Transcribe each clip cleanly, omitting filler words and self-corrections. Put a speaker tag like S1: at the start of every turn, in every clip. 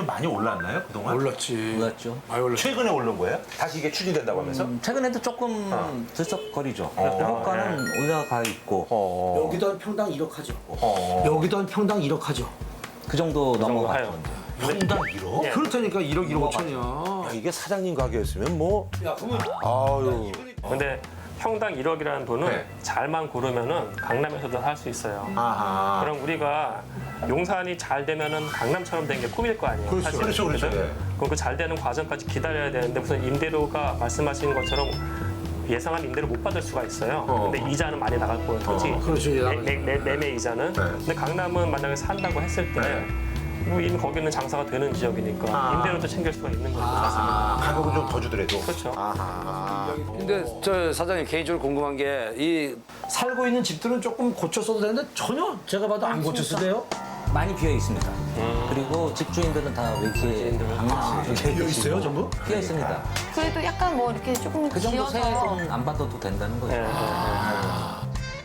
S1: 많이 올랐나요 그동안?
S2: 올랐지.
S3: 몰랐죠.
S2: 많이 올랐지.
S1: 최근에 오른 거예요? 다시 이게 추진된다고 하면서?
S3: 최근에도 조금 들썩거리죠. 호가는 올라가 있고
S4: 여기도 한 평당 1억 하죠.
S1: 어.
S4: 여기도 한 평당 1억 하죠.
S3: 그 정도 넘어가죠.
S5: 하요.
S1: 평당 1억?
S5: 예.
S4: 그렇다니까 1억 1억 5천이야.
S1: 야, 이게 사장님 가게였으면 뭐
S4: 야, 그러면
S1: 아유
S5: 근데 평당 1억이라는 돈은
S1: 네.
S5: 잘만 고르면은 강남에서도 살 수 있어요.
S1: 아하
S5: 그럼 우리가 용산이 잘 되면은 강남처럼 된 게 꿈일 거 아니에요.
S1: 그렇죠.
S5: 사실은.
S1: 그렇죠, 그렇죠.
S5: 그죠?
S1: 네.
S5: 그럼 그 잘 되는 과정까지 기다려야 되는데 무슨 임대료가 말씀하신 것처럼 예상한 임대료 못 받을 수가 있어요. 근데 이자는 많이 나갈 거예요, 토지.
S4: 그렇죠, 이자 나가죠.
S5: 매매 이자는.
S1: 네.
S5: 근데 강남은 만약에 산다고 했을 때
S1: 네.
S5: 뭐 이미 거기는 장사가 되는 지역이니까
S1: 아.
S5: 임대료도 챙길 수가 있는 거죠, 사실은.
S1: 가격은 좀 더 주더라도
S5: 그렇죠.
S1: 아하
S2: 근데 저 사장님 개인적으로 궁금한 게 이
S4: 살고 있는 집들은 조금 고쳤어도 되는데 전혀 제가 봐도 안 고쳤어요.
S3: 많이 비어 있습니다. 그리고 집주인들은 다 왜 이렇게 강남 쪽에
S4: 비어 있어요,
S3: 계시고
S4: 전부?
S3: 비어 있습니다.
S6: 그래도 약간 뭐 이렇게 조금
S3: 그 정도
S6: 지어서
S3: 세액은 안 받아도 된다는 거죠.
S5: 예, 예, 예.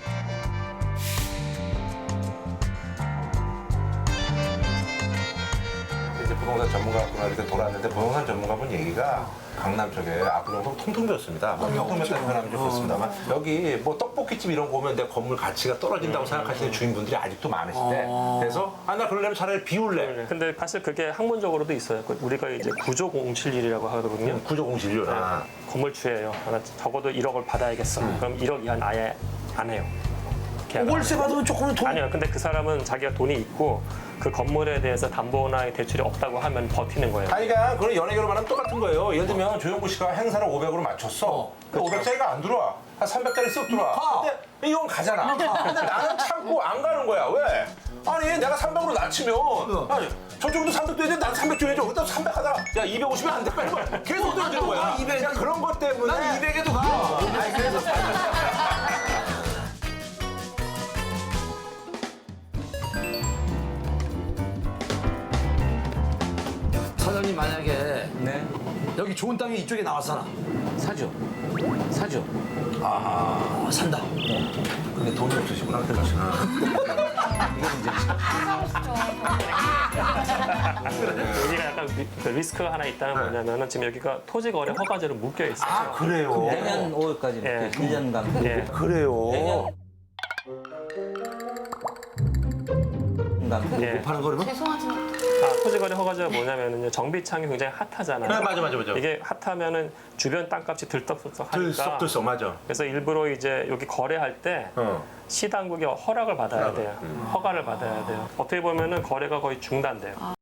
S1: 이제 부동산 전문가분과 이렇게 돌았는데 부동산 전문가분 얘기가 강남 쪽에 앞으로 통통 비었습니다. 뭐 조금만 변하면 좋겠습니다만 여기 뭐 떡볶이집 이런 거 오면 내 건물 가치가 떨어진다고 생각하시는 주인분들이 아직도 많으신데 그래서 아 나 그러려면 차라리 비울래.
S5: 근데 사실 그게 학문적으로도 있어요. 우리가 이제 구조공실률이라고 하거든요.
S1: 구조공실률. 아.
S5: 건물주예요. 하나 적어도 1억을 받아야겠어. 그럼 1억 이하는 아예 안 해요. 계약 안
S4: 월세
S5: 해요.
S4: 받으면 조금은 돈.
S5: 아니요. 근데 그 사람은 자기가 돈이 있고 그 건물에 대해서 담보나 대출이 없다고 하면 버티는 거예요.
S1: 아니, 그러니까 그런 연예 결혼만 하면 똑같은 거예요. 예를 들면 조영구 씨가 행사를 500으로 맞췄어. 근데 500짜리가 안 들어와. 한 300짜리 쓱 들어와. 근데 이건 가잖아. 근데 나는 참고 안 가는 거야. 왜? 아니 내가 300으로 낮추면 아니 저쪽도 300 줘야 돼. 난 300 줘야죠. 그다음 300 하다가 야 250이 안 돼. 빨리 계속 떨어지는 거야.
S4: 200.
S1: 그냥 그런 것 때문에
S4: 난 200에도 가.
S1: 아니 그래서
S4: 사장님 만약에
S3: 네,
S4: 여기 좋은 땅이 이쪽에 나왔잖아.
S3: 사죠. 사죠.
S4: 아, 산다.
S1: 근데 돈이 없으시구나. 그렇죠.
S5: 여기가 약간 그 리스크가 하나 있다는 뭐냐면은 지금 여기가 토지 거래 허가제로 묶여 있어요.
S1: 아 그래요.
S3: 내년 5월까지
S5: 예.
S3: 1년간.
S5: 예.
S1: 그래요.
S3: 내년
S5: 예.
S4: 파는 거라면?
S6: 죄송하지만
S5: 토지 거래 허가제가 뭐냐면은 정비창이 굉장히 핫하잖아요.
S1: 네, 맞아.
S5: 이게 핫하면은 주변 땅값이 들썩들썩 하니까.
S1: 들썩 맞아.
S5: 그래서 일부러 이제 여기 거래할 때 시당국이 허락을 받아야 돼요. 허가를 받아야 돼요. 어떻게 보면은 거래가 거의 중단돼요.